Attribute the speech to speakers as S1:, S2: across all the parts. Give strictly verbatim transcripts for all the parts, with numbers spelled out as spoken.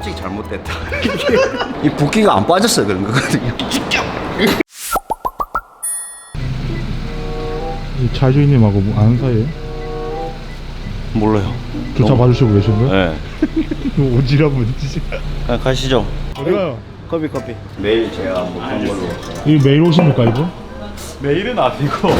S1: 솔직히 잘못됐다. 이 붓기가 안 빠져서 그런 거거든요.
S2: 이 차주인님하고 뭐 아는 사이에요?
S1: 몰라요.
S2: 주차
S1: 너무...
S2: 봐주시고 계신 거예요?
S1: 네.
S2: 오지랖은 진짜.
S1: 그냥 가시죠.
S2: 어디 가요?
S1: 커피 커피. 매일 제가 먹는 걸로.
S2: 이 매일 오십니까 이분?
S3: 매일은 아니고.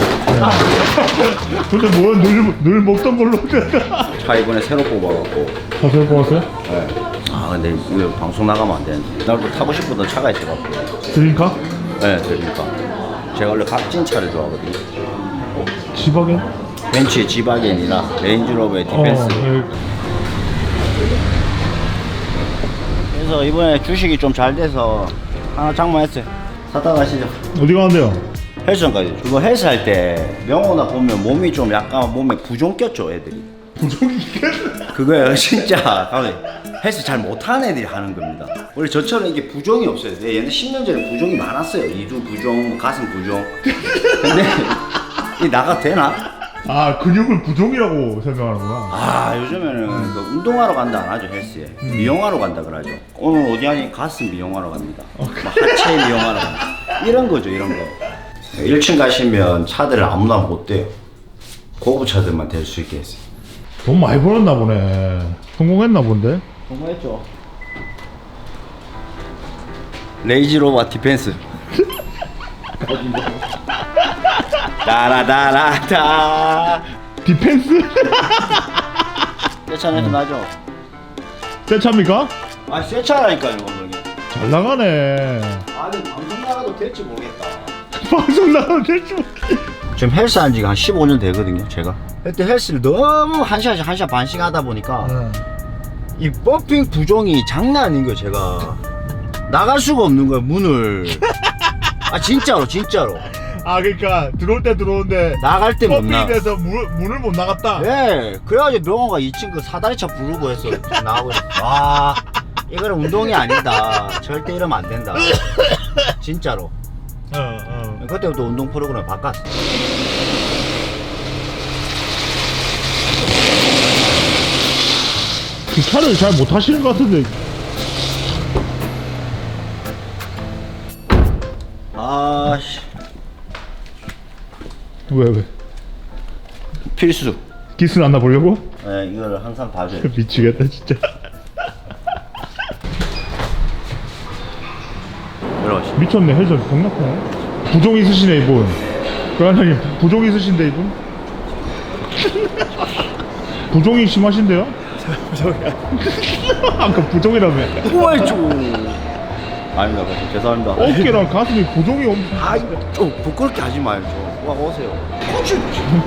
S2: 근데 뭐늘 늘 먹던 걸로.
S1: 차 이번에 새로 뽑아갖고.
S2: 차 새로 뽑았어요?
S1: 네. 아 근데 이거 방송 나가면 안 되는데. 나도 타고 싶었던 차가 있어갖고.
S2: 드림카?
S1: 네, 그러니까. 제가 원래 값진 차를 좋아하거든요.
S2: 지바겐?
S1: 벤츠의 지바겐이나 레인지로버의 디펜스.
S2: 어, 네.
S1: 그래서 이번에 주식이 좀 잘 돼서 하나 장만했어요. 사다 가시죠.
S2: 어디 가는데요?
S1: 헬스장까지. 그거 헬스 할 때 명호나 보면 몸이 좀 약간 몸에 부종 꼈죠, 애들이.
S2: 부종이
S1: 그거예요, 진짜. 헬스 잘 못하는 애들이 하는 겁니다. 원래 저처럼 이게 부종이 없어요. 옛날 십 년 전에 부종이 많았어요. 이두 부종, 가슴 부종. 근데 이 나가 되나?
S2: 아 근육을 부종이라고 생각하는구나.
S1: 아 요즘에는 그 운동하러 간다 안 하죠, 헬스에. 음. 미용하러 간다 그러죠. 오늘 어디 하니? 가슴 미용하러 갑니다. 막 하체 미용하러 간다. 이런 거죠, 이런 거. 일 층 가시면 차들을 아무나 못 대요. 고급 차들만 댈 수 있게 했어요.
S2: 돈 많이 벌었나 보네. 성공했나 본데?
S1: 성공했죠. 레이지로버 디펜스. 따라따라따.
S2: 디펜스?
S1: 새 차는 나죠?
S2: 새 차입니까?
S1: 아, 새 차라니까요, 이게.
S2: 잘 나가네.
S1: 아니, 방송 나가도 될지 모르겠다.
S2: 방송 나가도 될지
S1: 지금 헬스 한 지가 한 십오 년 되거든요, 제가. 그때 헬스를 너무 한 시간씩, 한 시간 반씩 하다 보니까
S2: 네.
S1: 이 펌핑 부종이 장난 아닌 거예요, 제가. 나갈 수가 없는 거예요, 문을. 아, 진짜로, 진짜로.
S2: 아 그러니까 들어올 때 들어오는데
S1: 나갈 때 못 나가.
S2: 펌핑돼서 문, 문을 못 나갔다.
S1: 예, 그래가지고 명호가 이 층 그 사다리차 부르고 해서 나가고 있어. 와, 이거는 운동이 아니다. 절대 이러면 안 된다. 진짜로.
S2: 어, 어.
S1: 그때부터 운동 프로그램 바꿨어.
S2: 그 차를 잘 못 타시는 것 같은데.
S1: 아씨,
S2: 왜 왜?
S1: 필수.
S2: 기스 안 나 보려고?
S1: 예, 이거를 항상 봐줘요.
S2: 미치겠다 진짜.
S1: 들어가시.
S2: 미쳤네. 헬스 겁나네. 부종 있으시네 이분. 그러나님 부종 있으신데 이분? 부종이 심하신데요? 부종이야. 아까 부종이라며.
S1: 오마이쭈. 아닙니다, 그렇죠. 죄송합니다.
S2: 어깨랑 가슴이 부종이 엄.
S1: 아이, 좀 부끄럽게 하지 마요, 좀. 와, 오세요. 코치.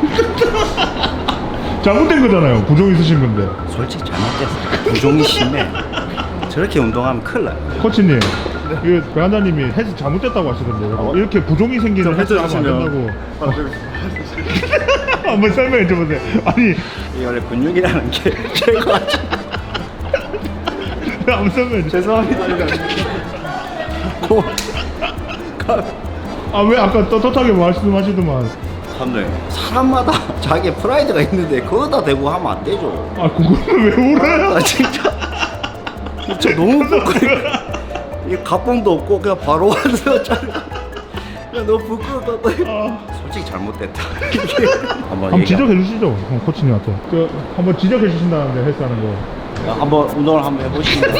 S2: 잘못된 거잖아요. 부종 있으신 건데.
S1: 솔직히 잘못됐어. 부종이 심해. 저렇게 운동하면 큰일 나요.
S2: 코치님, 이거 배한자님이 헬스 잘못됐다고 하시던데. 어? 이렇게 부종이 생기는 헬스 하면 안 된다고. 한번 설명해 줘보세요. 아니,
S1: 이 원래 근육이라는 게 최고하지.
S2: 한번 설명해 줘.
S1: 죄송합니다.
S2: 아, 왜 아까 떳떳하게 말씀하시더만.
S1: 선생님, 사람마다 자기의 프라이드가 있는데 그거다 대고 하면 안 되죠.
S2: 아, 그거는 왜 울어요?
S1: 아, 진짜. 진짜 너무 부끄러워. 이 가봉도 없고 그냥 바로 와서 자르. 야, 너무 부끄럽다.
S2: 아.
S1: 솔직히 잘못됐다. 한번
S2: 한번 지적해 주시죠, 형, 코치님한테. 그 한번 지적해 주신다는데 헬스 하는 거.
S1: 한번 운동을 한번 해보시면.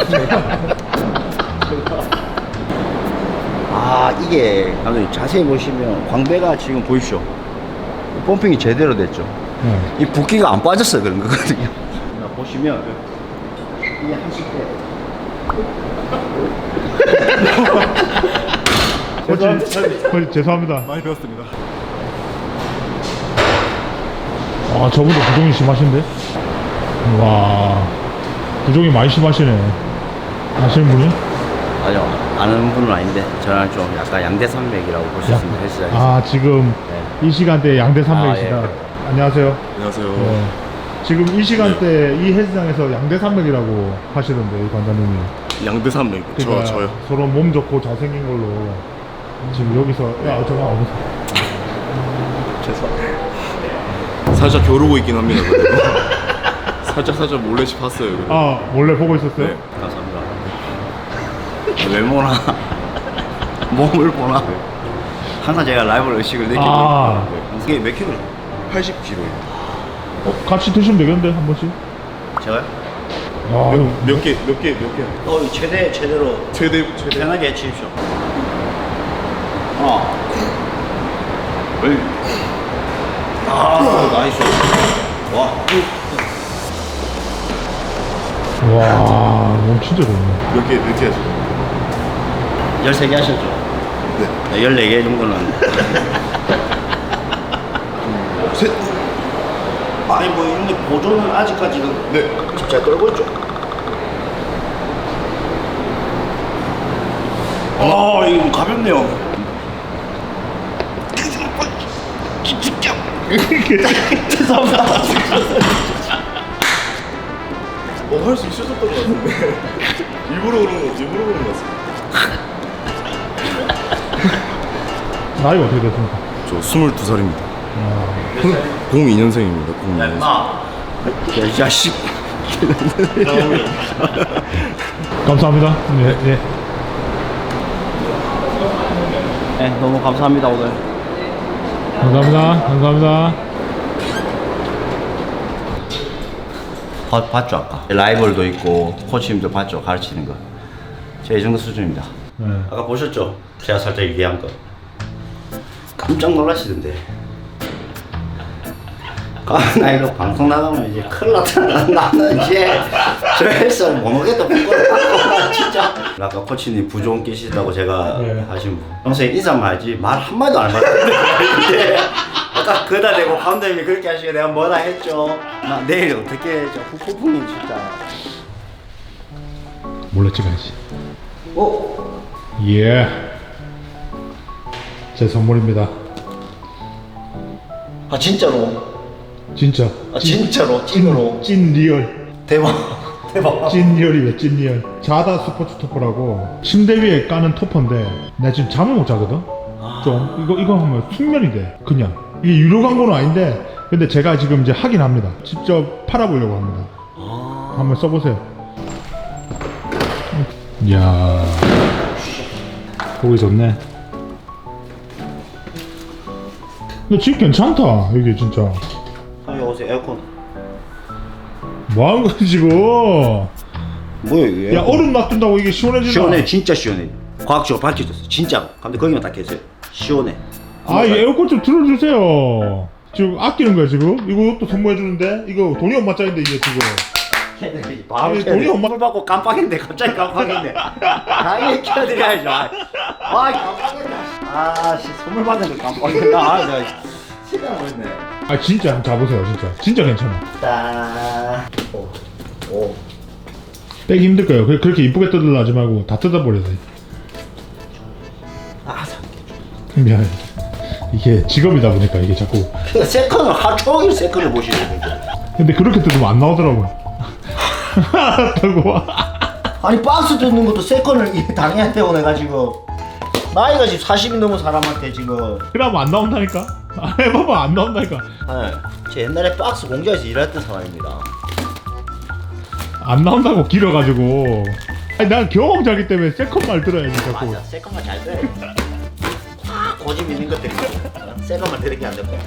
S1: 아, 이게 감독님 자세히 보시면 광배가 지금 보이시죠? 펌핑이 제대로 됐죠.
S2: 네.
S1: 이 붓기가 안 빠져서 그런 거거든요. 보시면 이게 하실 때.
S2: 코치, 코치 죄송합니다.
S3: 많이 배웠습니다.
S2: 아, 저분도 부종이 심하신데? 와, 부종이 많이 심하시네. 아시는 분이?
S1: 아니요, 아는 분은 아닌데 저는 좀 약간 양대산맥이라고 볼 수 있습니다. 헬스장에서.
S2: 아, 지금
S1: 네.
S2: 이 시간대에 양대산맥이시다.
S1: 아, 예.
S2: 안녕하세요.
S3: 안녕하세요.
S2: 네. 지금 이 시간대 이 헬스장에서 양대산맥이라고 하시던데, 이 관장님이.
S3: 양대산맥.
S2: 그러니까
S3: 저 저요.
S2: 서로 몸 좋고 잘생긴 걸로 지금 여기서 야 저거 어디
S3: 죄송합니다. 살짝 겨루고 있긴 합니다. 그래도. 살짝 살짝 몰래씩 봤어요. 그래도.
S2: 아 몰래 보고 있었어요?
S3: 네.
S1: 감사합니다. 외모나 몸을 보나 항상 제가 라이벌 의식을 느끼고
S2: 아.
S1: 있거든요. 이게 몇 킬로예요?
S3: 팔십 킬로그램.
S2: 어, 같이 드시면 되겠는데 한 번씩.
S1: 제가요?
S2: 아, 형.
S3: 몇 개, 몇 개, 몇 개?
S1: 어 최대 최대로
S3: 최대, 최대.
S1: 편하게 해치십시오. 하나 둘 아, 나이스. 와.
S2: 와, 몸 진짜 좋네.
S3: 몇 개, 몇 개 하죠?
S1: 열세 개 하셨죠? 네. 열네 개 정도는.
S3: 셋.
S1: 아니 뭐 근데 보조는 아직까지는
S3: 네.
S1: 잘 떨고 있죠. 아 이거 가볍네요. 죄송합니다.
S3: 어, 할 수 있었던 것 같은데. 일부러 그런 거, 일부러 그런 것 같습니다.
S2: 나이가 어떻게 됐습니까?
S3: 저 스물두 살입니다.
S2: 아,
S3: 공이 년생입니다. 공이 년생.
S1: 야, 이 자식.
S2: 감사합니다. 네, 네.
S1: 네, 너무 감사합니다 오늘.
S2: 감사합니다. 감사합니다.
S1: 봤, 봤죠 아까? 라이벌도 있고 코치님도 봤죠 가르치는 거. 제가 이 정도 수준입니다.
S2: 네.
S1: 아까 보셨죠? 제가 살짝 얘기한 거. 깜짝 놀라시던데. 아, 나 이거 방송 나가면 이제 큰일 났다. 나는 이제 저 헬스를 못 오겠다. 부끄럽다. 진짜. 아까 코치님 부종 끼시다고 제가
S2: 네.
S1: 하신 분. 평소에 인사만 하지 말 한마디도 안 받았는데 아까 그다 대고 감독님이 그렇게 하시고 내가 뭐라 했죠. 나 내일 어떻게 저 후폭풍이 진짜.
S2: 몰래 찍어야지.
S1: 어?
S2: 예. 제 선물입니다.
S1: 아 진짜로?
S2: 진짜.
S1: 아 진짜로? 찐으로?
S2: 찐 리얼.
S1: 대박. 대박.
S2: 찐 리얼이에요. 찐 리얼. 자다 스포츠 토퍼라고 침대 위에 까는 토퍼인데 나 지금 잠을 못 자거든. 좀 이거 이거 하면 숙면이 돼. 그냥 이게 유료 광고는 아닌데 근데 제가 지금 이제 하긴 합니다. 직접 팔아보려고 합니다.
S1: 아.
S2: 한번 써보세요. 이야, 보기 좋네. 근데 집 괜찮다. 이게 진짜.
S1: 형님 오세요 에어컨.
S2: 뭐하는 거야 지금?
S1: 뭐야 이게?
S2: 야, 얼음 놔둔다고 이게 시원해지나?
S1: 시원해 진짜 시원해. 과학적으로 밝혀졌어 진짜. 근데 거기만 딱 계세요. 시원해.
S2: 아, 이 에어컨 좀 틀어주세요. 지금 아끼는 거야 지금? 이거 또 선물해주는데? 이거 돈이 엄마 짜인데 이게 지금.
S1: 바로
S2: 아니,
S1: 켜야
S2: 돈이
S1: 돼.
S2: 엄마-
S1: 선물 받고 깜빡했는데 갑자기 깜빡했네. 당연히 켜드려야죠. 아, 아 깜빡했네. 아씨 선물 받는 거 깜빡했나. 아, 나 시간 걸렸네.
S2: 아 진짜 한번 자보세요 진짜. 진짜 괜찮아.
S1: 딱. 오. 오.
S2: 빼기 힘들 거예요. 그- 그렇게 이쁘게 뜯으려 하지 말고 다 뜯어버려야 돼.
S1: 아, 사-
S2: 미안해. 이게 직업이다 보니까 이게 자꾸.
S1: 그러니까 세컨을 하루 종일 세컨을 보시는 거죠.
S2: 근데 그렇게 뜯으면 안 나오더라고요. 알았다고.
S1: 아니 박스 뜯는 것도 세컨을 이 당해야 되고 내가 지금 나이가 지금 사십이 넘은 사람한테 지금.
S2: 그러면 안 나온다니까? 아, 해봐봐 안 나온다니까.
S1: 네, 제 옛날에 박스 공장에서 일했던 사람입니다.
S2: 안 나온다고 길어가지고. 아니 난 경험자기 때문에 세컨말 들어야지 자꾸.
S1: 맞아, 세컨만 잘 들어야 돼. 아, 고집 있는 것들이 세컨만 들은 게 안 되고.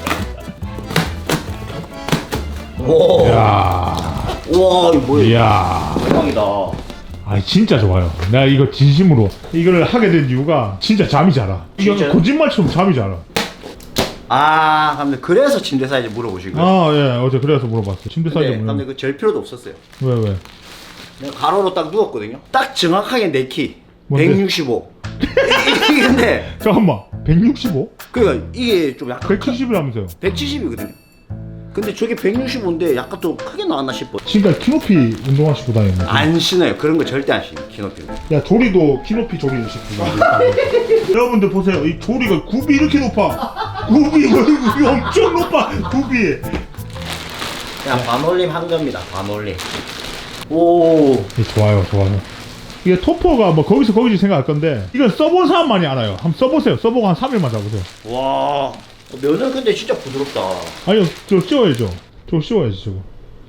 S1: 오,
S2: 이야.
S1: 우와, 이거 뭐야?
S2: 이야.
S1: 대박이다.
S2: 아 진짜 좋아요. 내가 이거 진심으로 이걸 하게 된 이유가 진짜 잠이 잘 와. 이거
S1: 진짜요?
S2: 거짓말처럼 잠이 잘 와.
S1: 아, 근데 그래서 침대 사이즈 물어보신 거예요?
S2: 아 예, 어제 그래서 물어봤어. 침대 사이즈
S1: 근데, 근데
S2: 물어.
S1: 그잴 필요도 없었어요.
S2: 왜 왜?
S1: 내가 가로로 딱 누웠거든요. 딱 정확하게 내 키.
S2: 뭔데?
S1: 백육십오. 이게 근데
S2: 잠깐만. 백육십오?
S1: 그러니까 이게 좀 약간
S2: 백칠십이라면서요?
S1: 백칠십이거든요. 근데 저게 백육십오인데 약간 좀 크게 나왔나 싶어.
S2: 지금까지 키높이 운동화 신고 다니는.
S1: 안 신어요. 그런 거 절대 안 신어요. 키높이는.
S2: 야 조리도 키높이 조리를 신고 다니는. 여러분들 보세요. 이 조리가 굽이 이렇게 높아. 굽이 굽이 엄청 높아. 굽이.
S1: 그냥 반올림 한 겁니다. 반올림. 오.
S2: 이 좋아요, 좋아요. 이게 토퍼가 뭐 거기서 거기지 생각할 건데 이건 써본 사람만이 알아요. 한번 써보세요. 써보고 한 삼 일만 잡으세요.
S1: 와. 면은 근데 진짜 부드럽다.
S2: 아니요, 저 씌워야죠. 저 씌워야지 저거.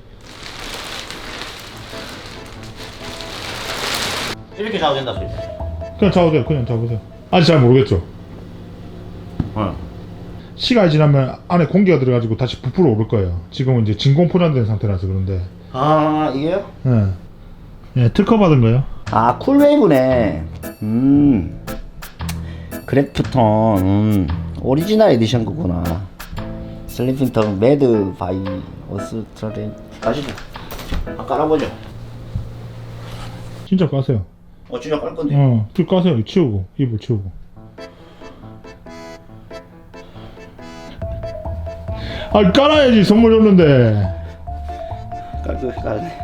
S1: 이렇게 잡아도 된다 소리.
S2: 그냥 잡으세요. 그냥 잡으세요. 아직 잘 모르겠죠.
S1: 어.
S2: 시간이 지나면 안에 공기가 들어가지고 다시 부풀어 오를 거예요. 지금은 이제 진공 포장된 상태라서 그런데.
S1: 아 이게요?
S2: 예. 예, 특허 받은 거요.
S1: 아 쿨웨이브네. 음 그래프톤 음. 오리지널 에디션 거구나. 슬리핑턴 매드 바이 오스트레인 가시죠. 한 깔아보죠.
S2: 진짜 까세요.
S1: 어 진짜 깔 건데.
S2: 어, 불 까세요. 치우고 이불 치우고. 아, 깔아야지. 선물 줬는데.
S1: 깔고 깔네.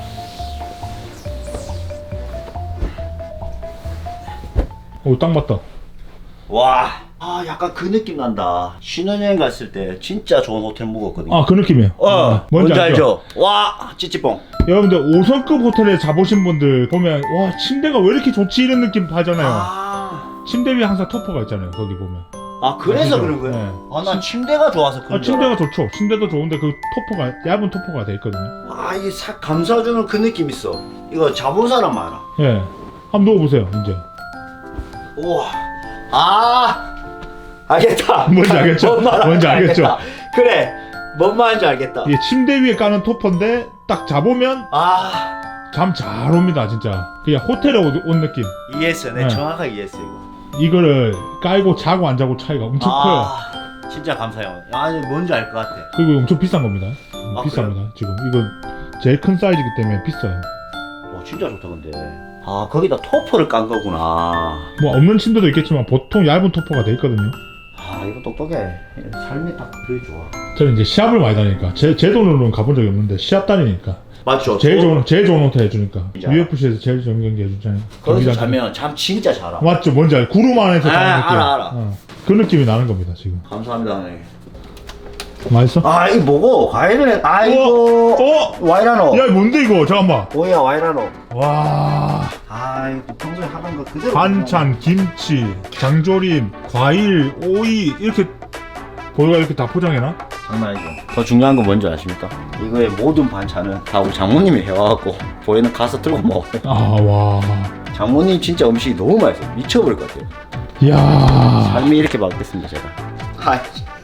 S2: 오, 딱 맞다.
S1: 와. 아 약간 그 느낌 난다. 신혼여행 갔을 때 진짜 좋은 호텔 묵었거든요.
S2: 아, 그 느낌이에요.
S1: 어
S2: 아,
S1: 뭔지, 알죠? 와 찌찌뽕.
S2: 여러분들 오 성급 호텔에 자보신 분들 보면 와 침대가 왜 이렇게 좋지 이런 느낌 하잖아요.
S1: 아,
S2: 침대 위에 항상 토퍼가 있잖아요. 거기 보면.
S1: 아 그래서
S2: 아시죠?
S1: 그런 거예요?
S2: 네.
S1: 아 난 침대가 좋아서 그런
S2: 아, 침대가 좋죠. 침대도 좋은데 그 토퍼가 얇은 토퍼가 돼 있거든요.
S1: 아 이게 싹 감싸주는 그 느낌 있어. 이거 자본 사람 많아.
S2: 예. 한번 누워보세요. 이제.
S1: 우와. 아 알겠다.
S2: 뭔지 알겠죠?
S1: 뭔 말하는지
S2: 뭔지 알겠죠?
S1: 알겠다. 그래 뭔 말인지 알겠다.
S2: 이게 침대 위에 까는 토퍼인데 딱 자보면
S1: 아
S2: 잠 잘 옵니다. 진짜. 그냥 호텔에 온, 온 느낌.
S1: 이해했어. 내
S2: 네.
S1: 정확하게 이해했어 이거.
S2: 이거를 깔고 자고 안 자고 차이가 엄청 커요.
S1: 아 진짜 감사해요. 아니 뭔지 알 것 같아.
S2: 그리고 엄청 비싼 겁니다.
S1: 아,
S2: 비쌉니다. 지금 이거 제일 큰 사이즈이기 때문에 비싸요.
S1: 와 진짜 좋다 근데. 아 거기다 토퍼를 깐 거구나.
S2: 뭐 없는 침대도 있겠지만 보통 얇은 토퍼가 돼 있거든요.
S1: 아 이거 똑똑해. 삶이 딱 그래 좋아.
S2: 저는 이제 시합을 많이 다니니까 제, 제 돈으로는 가본 적이 없는데 시합 다니니까
S1: 맞죠?
S2: 제일 좋은 제일 좋은 호텔 해주니까
S1: 진짜.
S2: 유에프씨에서 제일 좋은 경기 해주잖아요.
S1: 거기서
S2: 경기장.
S1: 자면 잠 진짜 잘 와.
S2: 맞죠? 뭔지 알? 구름 안에서
S1: 아,
S2: 자는 느낌.
S1: 알아, 알아.
S2: 어. 그 느낌이 나는 겁니다 지금.
S1: 감사합니다 선생님.
S2: 맛있어?
S1: 아 이거 뭐고? 과일을 해. 아이고.
S2: 어?
S1: 와이라노.
S2: 야 뭔데 이거? 잠깐만.
S1: 뭐야 와이라노.
S2: 와.
S1: 아 이거 평소에 하던 거 그대로.
S2: 반찬, 김치, 장조림, 과일, 오이 이렇게 보여가 이렇게 다 포장해놔?
S1: 장난 아니죠. 더 중요한 건 뭔지 아십니까? 이거의 모든 반찬은 다 우리 장모님이 해와갖고 보이는 가서 들고 먹어요.
S2: 아 와.
S1: 장모님 진짜 음식이 너무 맛있어. 미쳐버릴 것 같아요.
S2: 이야.
S1: 삶이 이렇게 바뀌었습니다 제가. 아이.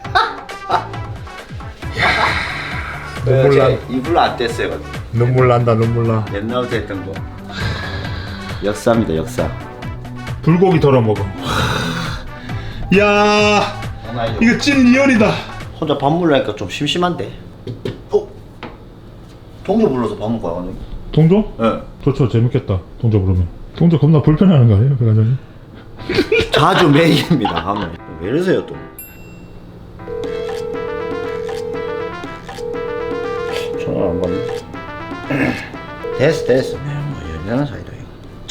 S2: 눈물 나.
S1: 이불로 안 뗐어요.
S2: 눈물 난다 눈물 나.
S1: 옛날부터 했던 거. 역사입니다 역사.
S2: 불고기 덜어 먹어. 이야.
S1: 장난 아니죠.
S2: 이거 찐 리얼이다.
S1: 혼자 밥 먹으려니까 좀 심심한데. 어? 동료 불러서 밥 먹고 와가지고.
S2: 동조?
S1: 예.
S2: 좋죠. 재밌겠다. 동조 부르면. 동조 겁나 불편해하는 거 아니에요? 백화점이?
S1: 자주 매일입니다 가면. 왜 이러세요 또? 전화 안 받네. 됐어 됐어. 뭐 연연한 사이다 이거.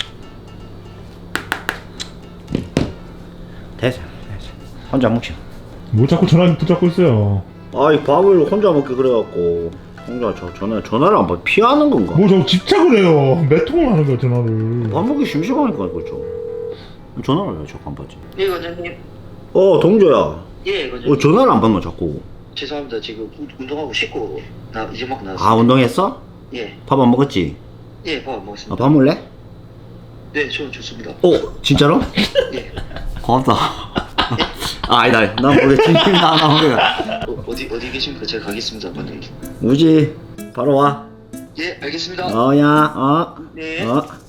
S1: 됐어 됐어. 혼자 먹자.
S2: 뭐 자꾸 전화기 붙잡고 있어요.
S1: 아이 밥을 혼자 먹게 그래갖고 혼자 저 전화 전화를 안 받. 피하는 건가?
S2: 뭐 자꾸 집착을 해요. 몇 통을 하는 거야 전화를.
S1: 밥 먹기 심심하니까 그렇죠. 전화를 왜 자꾸 안 받지?
S4: 예, 과장님.
S1: 어 동조야.
S4: 예, 과장님.
S1: 어 전화를 안 받나 자꾸.
S4: 죄송합니다. 지금 운- 운동하고 씻고 나 이제 막 나왔어요.
S1: 아 운동했어?
S4: 예,
S1: 밥 안 먹었지?
S4: 예, 밥 안
S1: 아,
S4: 먹었습니다.
S1: 밥 먹을래?
S4: 네, 저는 좋습니다.
S1: 어 진짜로?
S4: 예.
S1: 고맙다. 아 아니다. 난 모르겠지. 나나 모르겠.
S4: 어, 어디 어디 계십니까? 제가 가겠습니다, 과장님.
S1: 우지 바로 와.
S4: 예, 알겠습니다.
S1: 어야 어.
S4: 네.
S1: 어.